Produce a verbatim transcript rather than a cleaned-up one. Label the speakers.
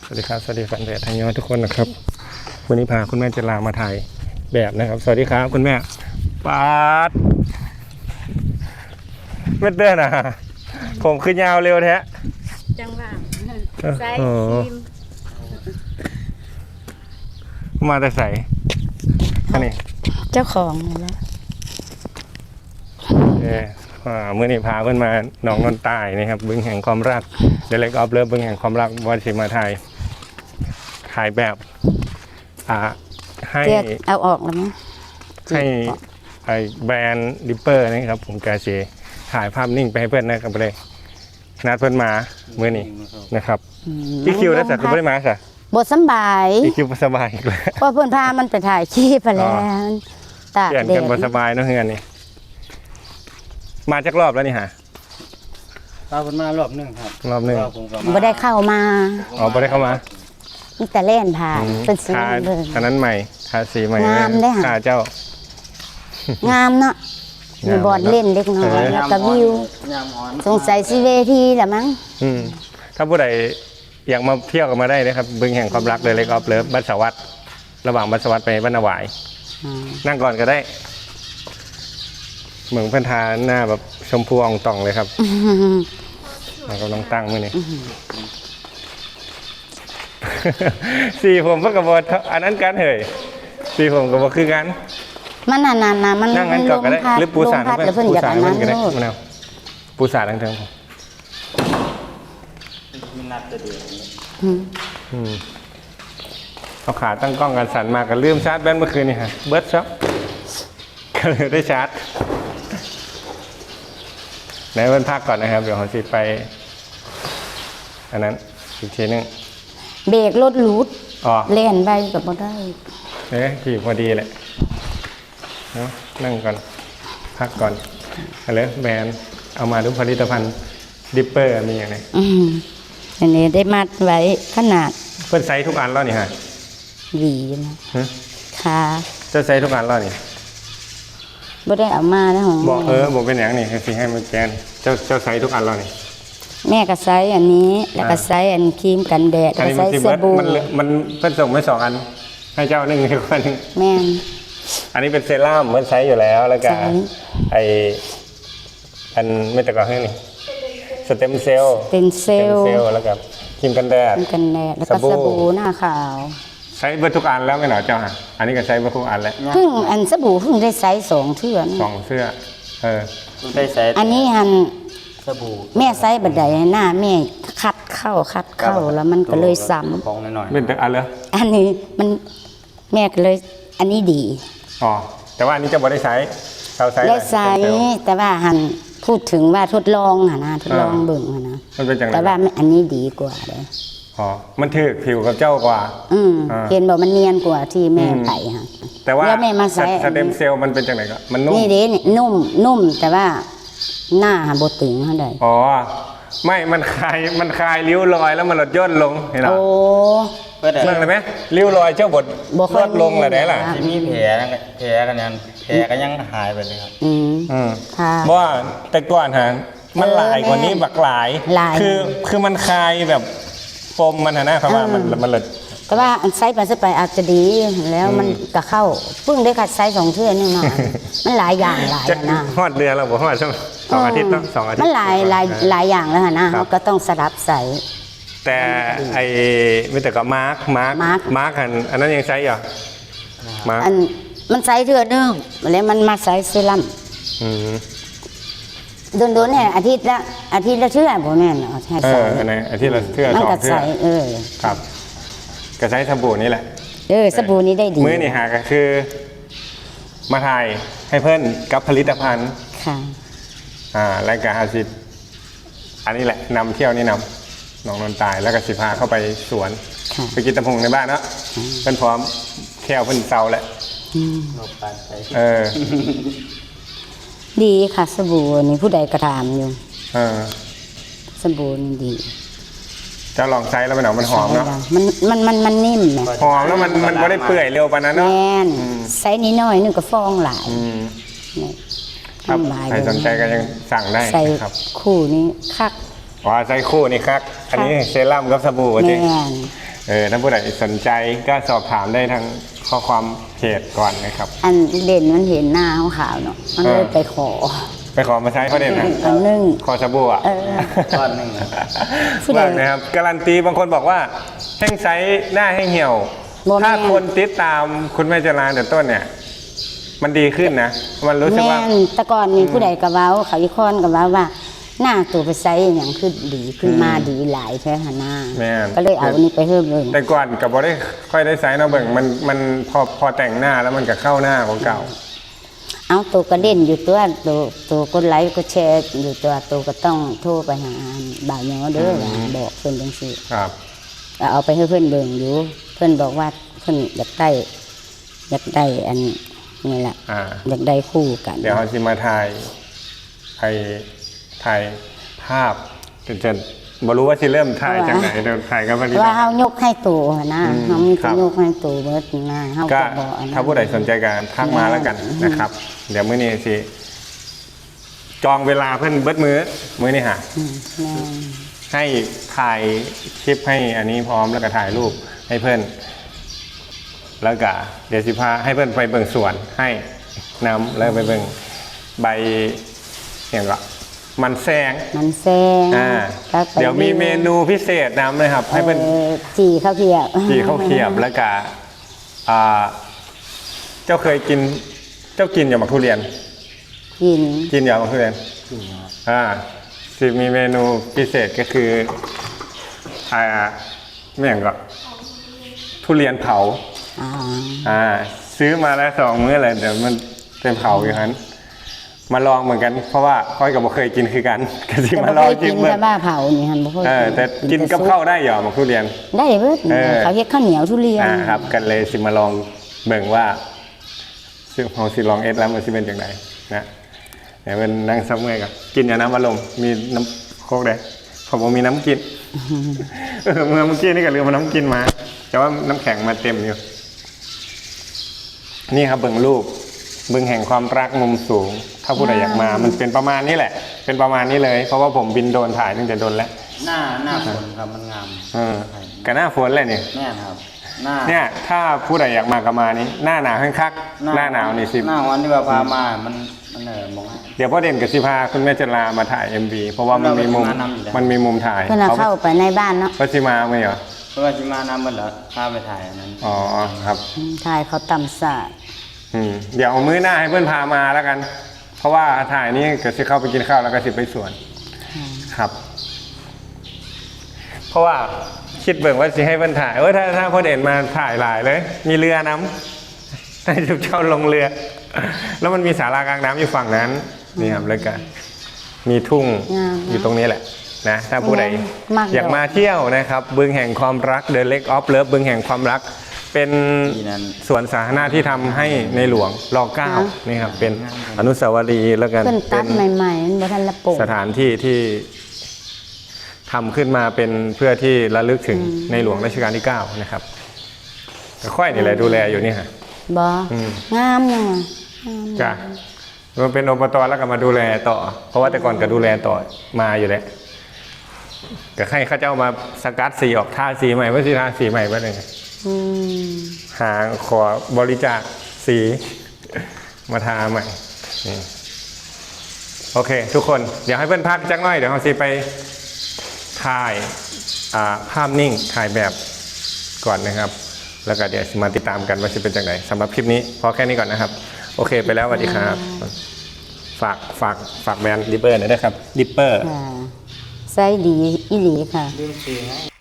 Speaker 1: สวัสดีครับสวัสดีแฟนเพจทางย้อนทุกคนนะครับวันนี้พาคุณแม่จะลามาถ่ายแบบนะครับสวัสดีครับคุณแม่ปาดไม่เดินอ่ะผมขึ้นยาวเร็วแท้
Speaker 2: จังหวะใส่ครีม
Speaker 1: มาแต่ใส่อันนี้
Speaker 2: เจ้าของนี่แหละ
Speaker 1: เออเมื่อนี้พาเพื่อนมาหนองนนตายนะครับบึงแห่งความรักเดเล็กออฟเลิฟบึงแห่งความรักวันสิมาถ่ายถ่ายแบบอ่าให้
Speaker 2: เอาออกแล้วมั้ง
Speaker 1: ให้ไอแบรนด์ดิปเปอร์นะครับผมกาเซถ่ายภาพนิ่งไปให้เพื่อนนะครับเลยนัดเพื่อนมาเมื่อนี้นะครับพี่คิวแล้วแต่คุณไม่ได้มาค่ะ
Speaker 2: บทสบาย
Speaker 1: พี่คิวสบายอีกแล้ว
Speaker 2: เพราะเพื่อนพามันไปถ่ายคลิปไปแล้ว
Speaker 1: ตากแดดกันบทสบายเนาะเฮือนนี่มาจากรอบแล้วนี่ฮะ
Speaker 3: ตาคนมารอบหนึ่งครับ
Speaker 1: รอบหนึ่ง
Speaker 2: ไม่ได้เข้ามา
Speaker 1: อ๋อไม่ได้เข้ามา
Speaker 2: มีแต่เล่นผ่านเป็นสี
Speaker 1: เลยอันนั้นใหม่ทาสีใหม่
Speaker 2: งามได้ค่ะ
Speaker 1: เจ้า
Speaker 2: งามเนาะมีบอร์ดเล่นเล็กน้อยแล้วก็วิวสงสัยซีเวทีแหละมั้ง
Speaker 1: ถ้าผู้ใดอยากมาเที่ยวกันมาได้นะครับบึงแห่งความรักเลยเล็กออฟเลิฟบ้านสวัสดิ์ระหว่างบ้านสวัสดิ์ไปบ้านนาวายนั่งก่อนก็ได้เหมือนพันธาหน้าแบบชมพูอ่องต่องเลยครับเรากำลังตั้งมือนี่สีผมก็กระบอกอันนั้นกันเหยสีผมกระบอกคือกัน
Speaker 2: มันนานๆนะมัน
Speaker 1: นั่งกันก่อนก็ได้หรือปูสาดเพื่อนปูสาดเพื่อนก็ได้มะนาวปูสาดทั้งทั้ง
Speaker 3: มีนัดจะดี
Speaker 1: เอาขาตั้งกล้องกันสั่นมากันลืมชาร์จแบตเมื่อคืนนี่ฮะเบิร์ดช็อปก็เลยได้ชาร์จในวันพักก่อนนะครับเดี๋ยวผมสิไปอันนั้นอีกทีนึง
Speaker 2: เบรกรถหลุดเล่นไปกับบ่ได้
Speaker 1: เอ๊ะขี่พอดีแหละเนาะนั่งก่อนพักก่อนอะไรแบรนด์เอามาดูผลิตภัณฑ์ดิปเปอร์มีอย่างไร
Speaker 2: อันนี้ได้มัดไว้ขนาด
Speaker 1: เพื่อนไซส์ทุกอันแล้วนี่ฮะ
Speaker 2: หวีนะค่ะ
Speaker 1: จะไซส์ทุกอันแล้วนี่
Speaker 2: บ่ได้เอามาแล้วของ
Speaker 1: บอกเออบอกเป็นอย่างนี้คือให้มันแกนเจ้าเจ้าไซส์ทุกอันแล้วนี่
Speaker 2: แม่ก็ไซส์อันนี้แล้วก็ไซส์อันครีมกันแดดแล้วก็ไซส์สบู่
Speaker 1: มันมันเพิ่นส่งไม่สองอันให้เจ้าหนึ่งให้คนหนึ่ง
Speaker 2: แม่
Speaker 1: อันนี้เป็นเซรั่มมันใช้อยู่แล้วแล้วก็ไออันไม่แต่ก่อนให้นี่สเต็มเซลล์
Speaker 2: เป็นเซลล์
Speaker 1: แล้วก็ครีมกันแดด
Speaker 2: ครีมกันแดดแล้วก็สบู่หน้าขาว
Speaker 1: ใช้เบอร์ทุกอันแล้วไม่หนอเจ้าฮะอันนี้ก็ใช้เบอร์ทุกอันแล้ว
Speaker 2: เพิ่งอันสบู่เพิ่งได้ไซส์สองเทื่อ
Speaker 1: สองเสื้อเออ
Speaker 3: ได้ไซส์
Speaker 2: อันนี้ฮัน
Speaker 3: สบู่
Speaker 2: แม่ไซส์บัดใดหน้าแม่คัดเข้าคัดเข้าแล้วมันก็เลยซ้ำ
Speaker 3: ของหน่อย
Speaker 1: เป็นแต่อันเลย
Speaker 2: อันนี้มันแม่ก็เลยอันนี้ดี
Speaker 1: อ๋อแต่ว่าอันนี้จะบ่ได้ใช้เราใช้
Speaker 2: ได้ใช้แต่ว่าหันพูดถึงว่าทดลองหะนะทดลองเบิ่งหะนะ
Speaker 1: มันเป็นจังไร
Speaker 2: แต่ว่าอันนี้ดีกว่าเลย
Speaker 1: อ๋อมันถือผิวกับเจ้ากว่า
Speaker 2: อืมเห็นบอกมันเนียนกว่าที่แม่ไปฮะ
Speaker 1: แต่ว่า
Speaker 2: แม่มาใช้
Speaker 1: สเต็มเซลล์มันเป็นจังไรก็มันนุ่ม
Speaker 2: นี่เด้นี่นุ่มนุ่มแต่ว่าหน้าหาบดตึงเท่าใด
Speaker 1: อ๋อไม่มันคลายมันคลายริ้วรอยแล้วมันลดย่นลงเห็นหรอ
Speaker 2: โอ้
Speaker 1: เรื่องอะไรไหมริ้วรอยเจ้าบดลดลงอะไรล่ะ
Speaker 3: ที่มีแผลแผลกันยันแผลก็ยังหายไปเลยครับ
Speaker 2: อืม
Speaker 1: อืมเพราะว่าแต่ก่อนฮะมันหลายกว่านี้บักหลายคือคือมันคลายแบบปมมันนะครับว่ามันมันเลย
Speaker 2: แต่ว่าอันไซส์ไปไซส์ไปอาจจะดีแล้วมันก็เข้าเพิ่งได้ขัดไซส์สองเทื่อนี่มามันหลายอย่างหลายนะ
Speaker 1: ฮอดเดือนเราบอกฮอดช่วงสองอาทิตย์เนาะสองอาทิตย์
Speaker 2: มันหลายหลายหลายอย่างแล้วนะเขาก็ต้องสลับใส่
Speaker 1: แต่ไอ้ไม่แต่ก็มาร์คมาร์คมาร์คอันอันนั้นยังใช้อยู่มาร์ค
Speaker 2: อันมันไซส์เทื่อนึงแล้วมันมาไซส์เซรั่มโดนโดนเนี่ยอาทิตย์ละอาทิตย์ละเทื่อผมแม่นเอาใช้
Speaker 1: ใส่เออในอาทิตย์ละเทื่อสองเทื่อ
Speaker 2: เออ
Speaker 1: ครับก็ใช้สบู่นี่แหละ
Speaker 2: เออสบู่นี้ได้ดี
Speaker 1: มื้อนี่หาก็คือมาถ่ายให้เพื่อนกับผลิตภัณฑ์
Speaker 2: ค่ะ
Speaker 1: อ่ารายการอาซิดอันนี้แหละนำเที่ยวนี่นำน้องนนตายแล้วก็สิพาเข้าไปสวนไปกินตะพงในบ้านเนาะเพื่อนพร้อมแค่เพื่อนเซาแหละเออ
Speaker 2: ดีค่ะสบู่นี่ผู้ใดกระทำอยู่สบู่นี่ดี
Speaker 1: จะลองใช้แล้วมันหนอมันหอมเนาะ
Speaker 2: มันมันมันมันนิ่ม
Speaker 1: หอมแล้วมันมันไม่ได้เปื่อยเร็วปานนั้นเนาะ
Speaker 2: แน่นใช้นิดหน่อยนึงก็ฟองหลาย
Speaker 1: ครับใครสนใจก็ยังสั่งได้ครับ
Speaker 2: คู่นี้คัก
Speaker 1: อ๋อใช้คู่นี่คักอันนี้เซรั่มกับสบู่จริงเออถ้าผู้ใดสนใจก็สอบถามได้ทางข้อความเพจก่อนนะครับ
Speaker 2: อันเด่นมันเห็นหน้าขาวๆเนาะมันเลยไปขอ
Speaker 1: ไปขอมาใช้เขาเด่นนะ
Speaker 2: อันหนึง
Speaker 1: ขอสบู่อ่ะ
Speaker 2: เออ
Speaker 3: ก้อนหนึ่ง
Speaker 2: ผู้ใด
Speaker 1: บ้างนะครับการันตีบางคนบอกว่าแห้งไซส์หน้าแห้งเหี่ยว
Speaker 2: บ่แม่น
Speaker 1: ถ้าคนติดตามคุณแม่จรานแต่ต้นเนี่ย มันดีขึ้นนะ มันรู้สึก
Speaker 2: แม่
Speaker 1: ว่า
Speaker 2: นแต่ก่อนนี่ผู้ใดก็เว้าเขาอีกคนก็เว้าว่า หน้าตัวไปไซส์อย่างขึ้นดีขึ้นมาดีหลายใช่หะหน้า
Speaker 1: แม่น
Speaker 2: ก็เลยเอาอันนี้ไปเพิ่มเลย
Speaker 1: แต่ก่อนกับบอได้ค่อยได้ไซส์เนาะเบิ่งมันมันพอพอแต่งหน้าแล้วมันก็เข้าหน้าของเก่า
Speaker 2: เอาตัวกระเด็นอยู่ตัวตัวตัวกดไลค์กดแชร์อยู่ตัวตัวก็ต้องโทรไปหาบ่าวเหยอเด้อว่าบอกเพิ่นจังซี่
Speaker 1: ครับ
Speaker 2: เอาไปให้เพื่อนเบิ่งอยู่เพื่อนบอกว่าเพื่อนอยากได้อยากได้อันนี่แหละ
Speaker 1: อ่า
Speaker 2: อยากได้คู่กัน
Speaker 1: เดี๋ยวเขาจะมาถ่ายถ่ายถ่ายภาพจนจะบรู้ว่าจะเริ่มถ่ายจากไหนเดี๋ยวถ่ายกันพอดี
Speaker 2: ว่าเฮายกให้ตัวนะ
Speaker 1: อืม
Speaker 2: เฮามี
Speaker 1: ครั
Speaker 2: แต่
Speaker 1: บ
Speaker 2: ยกให้ตัวเบิดนะเฮา
Speaker 1: ก็
Speaker 2: ก็บอกอันนั้น
Speaker 1: ถ้าผู้ใดสนใจการทักมาแล้วกันนะครับ เดี๋ยวมื้อนี้สิจองเวลาเพื่อนเบิดมื้อมื้อนี้ฮะ
Speaker 2: อืมแม่น
Speaker 1: ให้ถ่ายคลิปให้อันนี้พร้อมแล้วก็ถ่ายรูปให้เพื่อนแล้วก็เดี๋ยวสิพาให้เพื่อนไปเบิ่งสวนให้นำแล้วไปเบิ่งใบอย่างก็มันแซง
Speaker 2: มันแซง
Speaker 1: อ่า
Speaker 2: แล้วก็
Speaker 1: เดี๋ยวมีเมนูพิเศษนำเลยครับ ให้เพื่อน
Speaker 2: เอ่อจีข้าวเกรียบ
Speaker 1: จีข้าวเขียบแล้วก็อ่าเจ้าเคยกินเจ้ากินอย่างหมากทุเรียน
Speaker 2: กิน
Speaker 1: กินอย่างหมากทุเรียนอ่าสิมีเมนูพิเศษก็คืออ่าไม่อย่างก็ทุเรียนเผา
Speaker 2: อ่า
Speaker 1: อ่าซื้อมาแล้วสองมื้อเลยเดี๋ยวมันเป็นเผาอยู่นั้นมาลองเหมือนกัน เพราะว่าค่อยกับบ่เคยกินคือกัน ก็สิ
Speaker 2: แต่
Speaker 1: มา
Speaker 2: บ่
Speaker 1: ล
Speaker 2: เค
Speaker 1: อง
Speaker 2: ย
Speaker 1: กิ
Speaker 2: กิ
Speaker 1: น
Speaker 2: น
Speaker 1: เบิ่ง
Speaker 2: แต่บ้าเผานี่หั่นบ่เคย
Speaker 1: เออแต่กินกับข้าวได้เหรอหมากทุเรียน
Speaker 2: ได้เบิด
Speaker 1: เออ
Speaker 2: เขาเฮ็ดข้าวเหนียวทุเรียน
Speaker 1: อ่าครับกันเลยสิมาลองเบิ่งว่าซึ่งของสิลองเอสแล้วมันสิเป็นอย่างไรนะเดี๋ยวเป็นนั่งซับเมื่อยกับกินอย่าน้ำอารมณ์มีน้ำโคกได้ผมบอกมีน้ำกินเออเมื่อเมื่อกี้นี่ก็ลืมมาน้ำกินมา แต่ว่าน้ำแข็งมาเต็มอยู่นี่ครับเบิ่งรูปเบิ่งแห่งความรักมุมสูง ถ้าผู้ใดอยากมา มันเป็นประมาณนี้แหละ เป็นประมาณนี้เลย เพราะว่าผมบินโดรนถ่ายตั้งแต่โดนแล้ว
Speaker 3: หน้าหน้าฝนครับมันงาม
Speaker 1: เออกับหน้าฝนเลยนี่
Speaker 3: แม่นครับ หน้า
Speaker 1: เนี่ยถ้าผู้ใดอยากมาก็มานี้หน้าหนาวแห้งคักหน้าหนาวนี่สิ
Speaker 3: หน้าวันที่ว่าพามามันมันเออมองให้
Speaker 1: เดี๋ยวพ่อเด่นกับสิพาคุณแม่จะลามาถ่าย เอ็ม วี เพราะว่ามันมีมุม
Speaker 3: เราไปทำงานนำอยู่แล้ว
Speaker 1: มันมีมุมถ่าย
Speaker 2: เพิ่นเอาเข้าไปในบ้านเนาะ
Speaker 1: พระสิมาไหมเหรอ
Speaker 3: เพราะว่าจิมาน้ำมันเหรอพาไปถ่ายอันนั้น
Speaker 1: อ๋อครับ
Speaker 2: ถ่ายเขาตำสาด
Speaker 1: อืมเดี๋ยวเอามื้อหน้าให้เพื่อนพามาแล้วกัน เพราะว่าถ่ายนี้ก็สิเข้าไปกินข้าวแล้วก็สิไปสวนครับ เพราะว่าคิดเบิ่งว่าสิให้เพื่อนถ่ายเออถ้าถ้าพ่อเด่นมาถ่ายหลายเลย มีเรือน้ำให้ทุกเจ้าลงเรือ แล้วมันมีศาลากลางน้ำอยู่ฝั่งนั้นนี่ครับแล้วก็มีทุ่งอยู่ตรงนี้แหละนะถ้าผู้ใดอยากมาเที่ยวนะครับบึงแห่งความรัก The Lake of Love บึงแห่งความรัก เป็นสวนสาธารณะที่ทำให้ในหลวงรอเก้านี่ครับเป็นอนุสาวรีย์แล้วกัน
Speaker 2: เพิ่น
Speaker 1: เป็
Speaker 2: ตัด
Speaker 1: น
Speaker 2: ใหม่ๆมันบ่ทันละโปง
Speaker 1: สถานที่ที่ทำขึ้นมาเป็นเพื่อที่ระลึกถึงในหลวงรัชกาลที่เก้านะครับก็ค่อยนี่แหละดูแลอยู่นี่ฮะ
Speaker 2: บ่
Speaker 1: อืม
Speaker 2: งามจังว่ะ
Speaker 1: จ้ะมันเป็นอบตแล้วก็มาดูแลต่อ เพราะว่าแต่ก่อนก็ดูแลต่อมาอยู่แล้วก็ให้เข้าเจ้ามาสกัดสีออกท่าสีใหม่ว่าสีท่าสีใหม่ว่าเลย
Speaker 2: อืม
Speaker 1: หาขอบริจาคสีมาทาใหม่นี่โอเค ทุกคนเดี๋ยวให้เพื่อนพักจักหน่อยเดี๋ยวเขาสิไปถ่ายอ่าภาพนิ่งถ่ายแบบก่อนนะครับ แล้วก็เดี๋ยวมาติดตามกันว่าจะเป็นจังไหนสำหรับคลิปนี้พอแค่นี้ก่อนนะครับ โอเคไปแล้วสวัสดีครับ ฝากฝากฝากแบรนด์ดิปเปอร์หน่อยนะครับดิปเปอร์
Speaker 2: ค่ะไซส์ดีอีหลีค่ะ
Speaker 3: ลืมซื้อให้